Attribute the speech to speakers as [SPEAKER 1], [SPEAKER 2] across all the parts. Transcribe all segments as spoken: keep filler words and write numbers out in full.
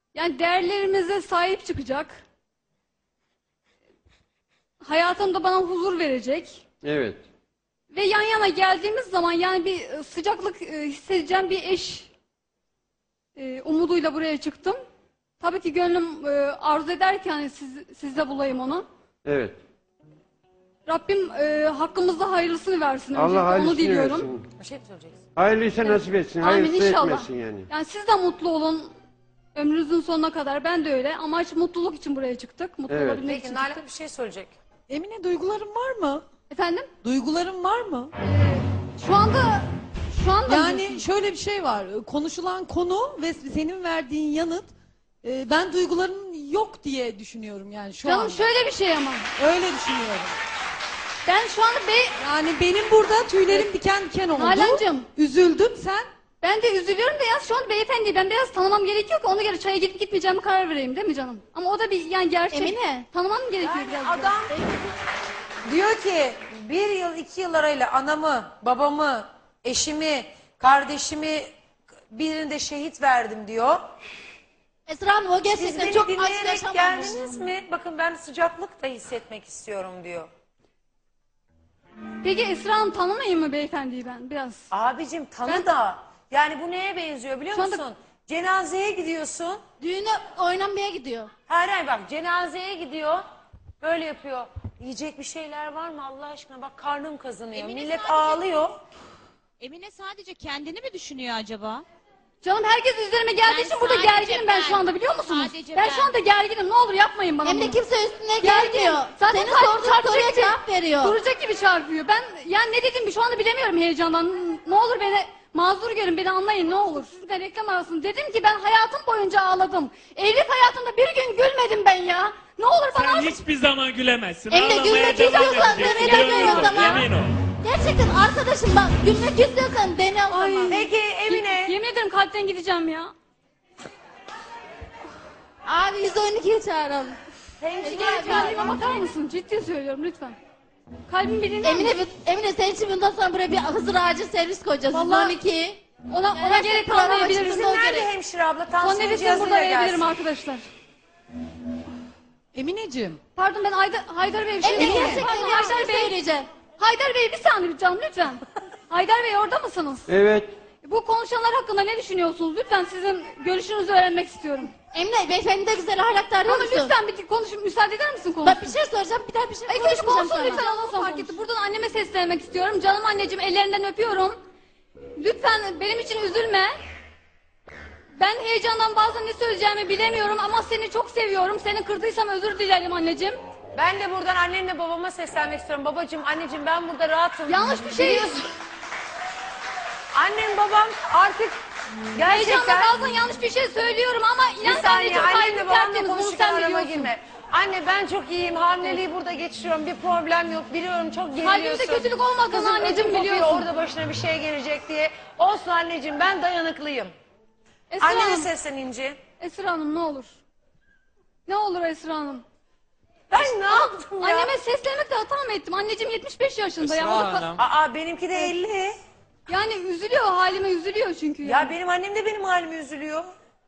[SPEAKER 1] Yani değerlerimize sahip çıkacak. Hayatımda bana huzur verecek.
[SPEAKER 2] Evet.
[SPEAKER 1] Ve yan yana geldiğimiz zaman yani bir sıcaklık e, hissedeceğim bir eş e, umuduyla buraya çıktım. Tabii ki gönlüm e, arzu eder ki hani siz, sizde bulayım onu.
[SPEAKER 2] Evet.
[SPEAKER 1] Rabbim e, hakkımızda hayırlısını versin.
[SPEAKER 2] Allah
[SPEAKER 1] öncelikle,
[SPEAKER 2] hayırlısını
[SPEAKER 1] onu diliyorum.
[SPEAKER 2] versin.
[SPEAKER 3] Bir şey mi söyleyeceksin?
[SPEAKER 2] Hayırlıysa nasip etsin.
[SPEAKER 1] Amin
[SPEAKER 2] Hayırlısı
[SPEAKER 1] inşallah.
[SPEAKER 2] etmesin yani.
[SPEAKER 1] Yani siz de mutlu olun. Ömrünüzün sonuna kadar ben de öyle. Amaç mutluluk için buraya çıktık. Mutlu
[SPEAKER 2] Evet.
[SPEAKER 1] olabilmek
[SPEAKER 3] Peki
[SPEAKER 1] için
[SPEAKER 3] Nalan
[SPEAKER 1] çıktık.
[SPEAKER 3] bir şey söyleyecek.
[SPEAKER 4] Emine, duyguların var mı?
[SPEAKER 1] Efendim?
[SPEAKER 4] Duyguların var mı?
[SPEAKER 1] Şu anda şu anda
[SPEAKER 4] Yani şöyle bir şey var. Konuşulan konu ve senin verdiğin yanıt, e, ben duyguların yok diye düşünüyorum yani şu
[SPEAKER 1] canım
[SPEAKER 4] anda.
[SPEAKER 1] şöyle bir şey ama.
[SPEAKER 4] Öyle düşünüyorum.
[SPEAKER 1] Ben şu anda be
[SPEAKER 4] Yani benim burada tüylerim diken diken oldu.
[SPEAKER 1] Nalan'cığım.
[SPEAKER 4] Üzüldüm, sen?
[SPEAKER 1] Ben de üzülüyorum da ya şu an beyefendiyi ben biraz tanımam gerekiyor ki ona göre çaya gidip gitmeyeceğimi karar vereyim değil mi canım? Ama o da bir yani gerçek.
[SPEAKER 5] Emine.
[SPEAKER 1] Tanımam gerekiyor
[SPEAKER 3] Yani
[SPEAKER 1] biraz.
[SPEAKER 3] adam diyor ki bir yıl iki yıl arayla anamı, babamı, eşimi, kardeşimi birinde şehit verdim diyor.
[SPEAKER 5] Esra Hanım o
[SPEAKER 3] Siz
[SPEAKER 5] gerçekten
[SPEAKER 3] beni
[SPEAKER 5] çok acı
[SPEAKER 3] dinleyerek
[SPEAKER 5] yaşamamış.
[SPEAKER 3] geldiniz mi? Bakın ben sıcaklık da hissetmek istiyorum diyor.
[SPEAKER 1] Peki Esra Hanım tanımayayım mı beyefendiyi ben biraz?
[SPEAKER 3] Abicim tanı
[SPEAKER 1] Ben-
[SPEAKER 3] da. Yani bu neye benziyor biliyor
[SPEAKER 1] Şu anda-
[SPEAKER 3] musun? Cenazeye gidiyorsun.
[SPEAKER 5] Düğüne oynamaya gidiyor.
[SPEAKER 3] Hayır hayır bak cenazeye gidiyor. Böyle yapıyor. Yiyecek bir şeyler var mı Allah aşkına? Bak karnım kazanıyor.
[SPEAKER 6] Emine
[SPEAKER 3] Millet
[SPEAKER 6] sadece-
[SPEAKER 3] ağlıyor.
[SPEAKER 6] Emine sadece kendini mi düşünüyor acaba?
[SPEAKER 1] Canım herkes üzerime geldiği
[SPEAKER 6] Ben
[SPEAKER 1] için burada
[SPEAKER 6] sadece
[SPEAKER 1] gerginim ben,
[SPEAKER 6] ben.
[SPEAKER 1] şu anda biliyor musunuz?
[SPEAKER 6] Sadece
[SPEAKER 1] ben,
[SPEAKER 6] ben.
[SPEAKER 1] şu anda gerginim, ne olur yapmayın bana
[SPEAKER 5] Hem de
[SPEAKER 1] bunu.
[SPEAKER 5] kimse üstüne
[SPEAKER 1] Gerginim.
[SPEAKER 5] gelmiyor.
[SPEAKER 1] Zaten
[SPEAKER 5] Senin
[SPEAKER 1] kalbim
[SPEAKER 5] sorduğun
[SPEAKER 1] çarpacak
[SPEAKER 5] soruya
[SPEAKER 1] gibi,
[SPEAKER 5] cevap veriyor.
[SPEAKER 1] Duracak gibi çarpıyor. Ben yani ne dedim şu anda bilemiyorum heyecandan. Ne olur beni mazur görün, beni anlayın ne olur. Sizle reklam arasında dedim ki ben hayatım boyunca ağladım. Evlilik hayatımda bir gün gülmedim ben ya. Ne olur bana
[SPEAKER 7] Sen
[SPEAKER 1] artık-
[SPEAKER 7] hiçbir zaman gülemezsin.
[SPEAKER 5] Emine,
[SPEAKER 7] Ağlamaya
[SPEAKER 5] gülmek
[SPEAKER 7] devam
[SPEAKER 5] istiyorsan
[SPEAKER 7] edeceksin.
[SPEAKER 5] Mehmet
[SPEAKER 7] Emin
[SPEAKER 5] Emre o
[SPEAKER 7] ol,
[SPEAKER 5] zaman.
[SPEAKER 7] Emin ol.
[SPEAKER 5] Gerçekten arkadaşım bak gülmek istiyorsan dene o
[SPEAKER 1] Ay.
[SPEAKER 5] zaman.
[SPEAKER 3] Peki Emine.
[SPEAKER 1] Yemin ederim kalpten gideceğim ya.
[SPEAKER 5] Abi yüz on ikiye çağıralım.
[SPEAKER 1] Gel kalbime bakar mısın? Ciddi söylüyorum lütfen. Kalbim bir dinler
[SPEAKER 5] Emine,
[SPEAKER 1] misin?
[SPEAKER 5] Emine senin için bundan sonra buraya bir Hızır acil servis koyacağız.
[SPEAKER 1] Vallahi-
[SPEAKER 5] yüz on iki.
[SPEAKER 1] Ona, ona
[SPEAKER 5] Her
[SPEAKER 1] gerek
[SPEAKER 5] şey programa
[SPEAKER 1] kalmayabiliriz.
[SPEAKER 5] çıktığında o
[SPEAKER 3] Nerede
[SPEAKER 5] gerek.
[SPEAKER 3] hemşire abla?
[SPEAKER 1] Son
[SPEAKER 3] Tansiyon
[SPEAKER 1] nefesimi
[SPEAKER 3] cihazıyla
[SPEAKER 1] burada verebilirim
[SPEAKER 3] gelsin.
[SPEAKER 1] arkadaşlar.
[SPEAKER 4] Emineciğim,
[SPEAKER 1] Pardon ben Haydar, Haydar Bey bir şey
[SPEAKER 5] Emine
[SPEAKER 1] diyeyim.
[SPEAKER 5] gerçekten
[SPEAKER 1] Pardon,
[SPEAKER 5] bir
[SPEAKER 1] Haydar
[SPEAKER 5] şey
[SPEAKER 1] Bey.
[SPEAKER 5] söyleyeceğim.
[SPEAKER 1] Haydar Bey bir saniye lütfen lütfen. Haydar Bey orada mısınız?
[SPEAKER 2] Evet.
[SPEAKER 1] Bu konuşanlar hakkında ne düşünüyorsunuz? Lütfen sizin görüşünüzü öğrenmek istiyorum.
[SPEAKER 5] Emine beyefendi de güzel ahlakta arıyor
[SPEAKER 1] Ama
[SPEAKER 5] musun?
[SPEAKER 1] lütfen bir konuşun, müsaade eder misin konuşun?
[SPEAKER 5] Bak bir şey soracağım, bir daha bir şey
[SPEAKER 1] İlk önce
[SPEAKER 5] konuşmayacağım
[SPEAKER 1] konuşsun
[SPEAKER 5] sana.
[SPEAKER 1] lütfen, ondan sonra fark etti. Buradan anneme seslenmek istiyorum. Canım anneciğim, ellerinden öpüyorum. Lütfen benim için üzülme. Ben heyecandan bazen ne söyleyeceğimi bilemiyorum ama seni çok seviyorum. Seni kırdıysam özür dilerim anneciğim.
[SPEAKER 3] Ben de buradan annemle babama seslenmek istiyorum. Babacığım, anneciğim ben burada rahatım.
[SPEAKER 1] Yanlış bir şey
[SPEAKER 3] Biliyorsun. Annem babam artık
[SPEAKER 1] Heyecanla
[SPEAKER 3] gerçekten...
[SPEAKER 1] bazen yanlış bir şey söylüyorum ama
[SPEAKER 3] Bir
[SPEAKER 1] inan sen de
[SPEAKER 3] saniye
[SPEAKER 1] çok
[SPEAKER 3] annemle
[SPEAKER 1] kalbim
[SPEAKER 3] babamla
[SPEAKER 1] tertemiz, bunu
[SPEAKER 3] konuşurken
[SPEAKER 1] sen
[SPEAKER 3] arama
[SPEAKER 1] biliyorsun.
[SPEAKER 3] girme. Anne ben çok iyiyim. Hamileliği burada geçiriyorum. Bir problem yok. Biliyorum çok geriliyorsun.
[SPEAKER 1] Kalbimde kötülük olmadığını
[SPEAKER 3] Kızım
[SPEAKER 1] anneciğim
[SPEAKER 3] ödüm kopuyor,
[SPEAKER 1] biliyorsun.
[SPEAKER 3] orada başına bir şey gelecek diye. Olsun anneciğim ben dayanıklıyım.
[SPEAKER 1] Esra
[SPEAKER 3] Annene
[SPEAKER 1] Hanım,
[SPEAKER 3] seslen İnci.
[SPEAKER 1] Esra Hanım ne olur. Ne olur Esra Hanım.
[SPEAKER 3] Ben ne yaptım ya?
[SPEAKER 1] Anneme seslenmekle hata mı ettim? Anneciğim yetmiş beş yaşında ya.
[SPEAKER 8] Esra
[SPEAKER 1] O da ka-
[SPEAKER 8] Hanım.
[SPEAKER 3] Aa benimki de elli.
[SPEAKER 1] Yani üzülüyor, halime üzülüyor çünkü.
[SPEAKER 3] Ya
[SPEAKER 1] Yani.
[SPEAKER 3] benim annem de benim halime üzülüyor.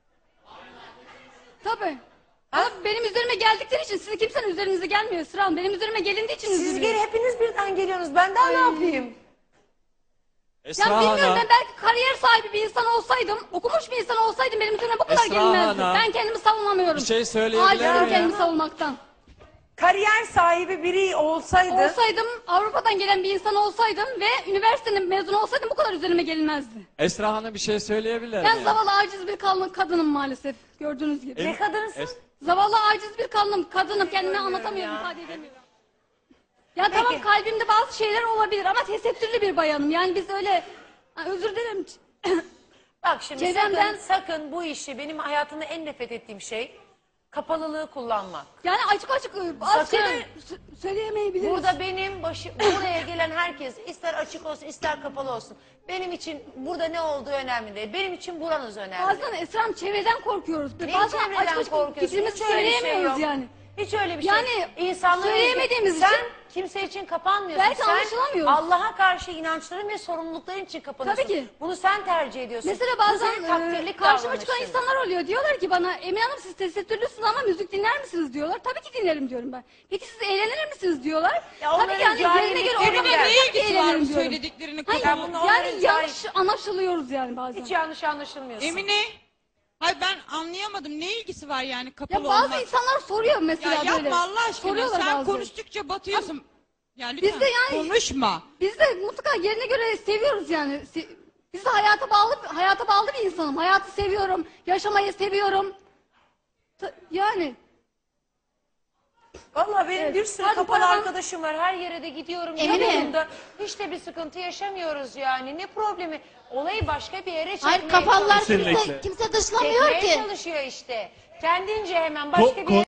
[SPEAKER 1] Tabii. Ama benim üzerime geldikleri için sizin kimsenin üzerinize gelmiyor Esra Hanım. Benim üzerime gelindiği için
[SPEAKER 3] Siz
[SPEAKER 1] üzülüyor.
[SPEAKER 3] geri hepiniz birden geliyorsunuz. Ben daha ne yapayım?
[SPEAKER 8] Esra
[SPEAKER 1] Ya bilmiyorum,
[SPEAKER 8] Hanım.
[SPEAKER 1] ben belki kariyer sahibi bir insan olsaydım, okumuş bir insan olsaydım benim üzerime bu kadar
[SPEAKER 8] Esra
[SPEAKER 1] gelinmezdi.
[SPEAKER 8] Hanım.
[SPEAKER 1] Ben kendimi savunamıyorum.
[SPEAKER 8] Bir şey söyleyebilir
[SPEAKER 1] Acizim
[SPEAKER 8] miyim?
[SPEAKER 1] kendimi savunmaktan.
[SPEAKER 3] Kariyer sahibi biri olsaydı...
[SPEAKER 1] Olsaydım, Avrupa'dan gelen bir insan olsaydım ve üniversitenin mezunu olsaydım bu kadar üzerime gelinmezdi.
[SPEAKER 8] Esra Hanım bir şey söyleyebilir
[SPEAKER 1] Ben
[SPEAKER 8] miyim?
[SPEAKER 1] zavallı aciz bir kadın- kadınım maalesef, gördüğünüz gibi.
[SPEAKER 3] Ne kadınsın?
[SPEAKER 8] Es-
[SPEAKER 1] Zavallı aciz bir kadınım, kadınım kendime anlatamıyorum,
[SPEAKER 3] ya.
[SPEAKER 1] ifade edemiyorum. Ya tamam kalbimde bazı şeyler olabilir ama tesettürlü bir bayanım. Yani biz öyle, ha, özür dilerim.
[SPEAKER 3] Bak şimdi
[SPEAKER 1] Çevremden-
[SPEAKER 3] sakın, sakın bu işi benim hayatımda en nefret ettiğim şey kapalılığı kullanmak.
[SPEAKER 1] Yani açık açık e, bazı
[SPEAKER 3] Sakın.
[SPEAKER 1] şeyler sö- söyleyemeyebiliriz.
[SPEAKER 3] Burada benim başı, buraya gelen herkes ister açık olsun ister kapalı olsun. Benim için burada ne olduğu önemli değil. Benim için buranız önemli.
[SPEAKER 1] Bazen Esra'm çevreden korkuyoruz.
[SPEAKER 3] Ne
[SPEAKER 1] Bazen
[SPEAKER 3] çevreden
[SPEAKER 1] açık açık
[SPEAKER 3] korkuyorsun?
[SPEAKER 1] fikrimizi
[SPEAKER 3] Hiç öyle bir şey
[SPEAKER 1] söyleyemiyoruz
[SPEAKER 3] yok.
[SPEAKER 1] yani.
[SPEAKER 3] Hiç öyle bir şey.
[SPEAKER 1] Yani
[SPEAKER 3] İnsanlara
[SPEAKER 1] söyleyemediğimiz
[SPEAKER 3] sen
[SPEAKER 1] için-
[SPEAKER 3] kimse için kapanmıyorsun.
[SPEAKER 1] Belki
[SPEAKER 3] sen
[SPEAKER 1] anlaşılamıyoruz.
[SPEAKER 3] Allah'a karşı inançların ve sorumlulukların için kapanıyorsun.
[SPEAKER 1] Tabii ki.
[SPEAKER 3] Bunu sen tercih ediyorsun.
[SPEAKER 1] Mesela
[SPEAKER 3] Bu
[SPEAKER 1] bazen
[SPEAKER 3] senin
[SPEAKER 1] e,
[SPEAKER 3] takdirlik
[SPEAKER 1] karşıma çıkan
[SPEAKER 3] davranışın.
[SPEAKER 1] insanlar oluyor. Diyorlar ki bana Emine Hanım siz tesettürlüsünüz ama müzik dinler misiniz diyorlar. Tabii ki dinlerim diyorum ben. Peki siz eğlenir misiniz diyorlar.
[SPEAKER 3] Ya
[SPEAKER 1] Tabii
[SPEAKER 3] onların
[SPEAKER 1] ki yani yerine göre
[SPEAKER 3] cahillikleri
[SPEAKER 1] orada
[SPEAKER 3] var.
[SPEAKER 1] ben
[SPEAKER 6] Ne
[SPEAKER 1] tabii ki
[SPEAKER 6] ilgisi var bu
[SPEAKER 1] eğlenirim diyorum.
[SPEAKER 6] söylediklerini
[SPEAKER 1] Hayır,
[SPEAKER 3] Ya bunun
[SPEAKER 1] yani
[SPEAKER 3] onların
[SPEAKER 1] yanlış anlaşılıyoruz yani bazen.
[SPEAKER 3] Hiç yanlış anlaşılmıyorsun.
[SPEAKER 6] Emine, hayır ben anlayamadım. Ne ilgisi var yani kapalı
[SPEAKER 1] Ya bazı
[SPEAKER 6] olmak?
[SPEAKER 1] insanlar soruyor mesela
[SPEAKER 6] Ya
[SPEAKER 1] böyle.
[SPEAKER 6] yapma Allah aşkına.
[SPEAKER 1] Soruyorlar
[SPEAKER 6] Sen
[SPEAKER 1] bazı.
[SPEAKER 6] konuştukça batıyorsun. Ya lütfen
[SPEAKER 1] Biz de yani-
[SPEAKER 6] konuşma.
[SPEAKER 1] Biz de mutlaka yerine göre seviyoruz yani. Se- Biz de hayata bağlı hayata bağlı bir insanım. Hayatı seviyorum, yaşamayı seviyorum. Ta- Yani
[SPEAKER 3] Vallahi benim
[SPEAKER 1] Evet.
[SPEAKER 3] bir sürü
[SPEAKER 1] Hadi
[SPEAKER 3] kapalı
[SPEAKER 1] paravan-
[SPEAKER 3] arkadaşım var. Her yere de gidiyorum.
[SPEAKER 5] Emine.
[SPEAKER 3] Yanımda. Hiç de bir sıkıntı yaşamıyoruz yani. Ne problemi? Olayı başka bir yere çekmeye
[SPEAKER 5] Hayır kafalılar
[SPEAKER 3] çalışıyor.
[SPEAKER 5] kimse,
[SPEAKER 2] Kesinlikle.
[SPEAKER 5] kimse dışlamıyor
[SPEAKER 3] Çekmeye
[SPEAKER 5] ki.
[SPEAKER 3] çalışıyor işte. Kendince hemen başka
[SPEAKER 2] Ko-
[SPEAKER 3] bir yere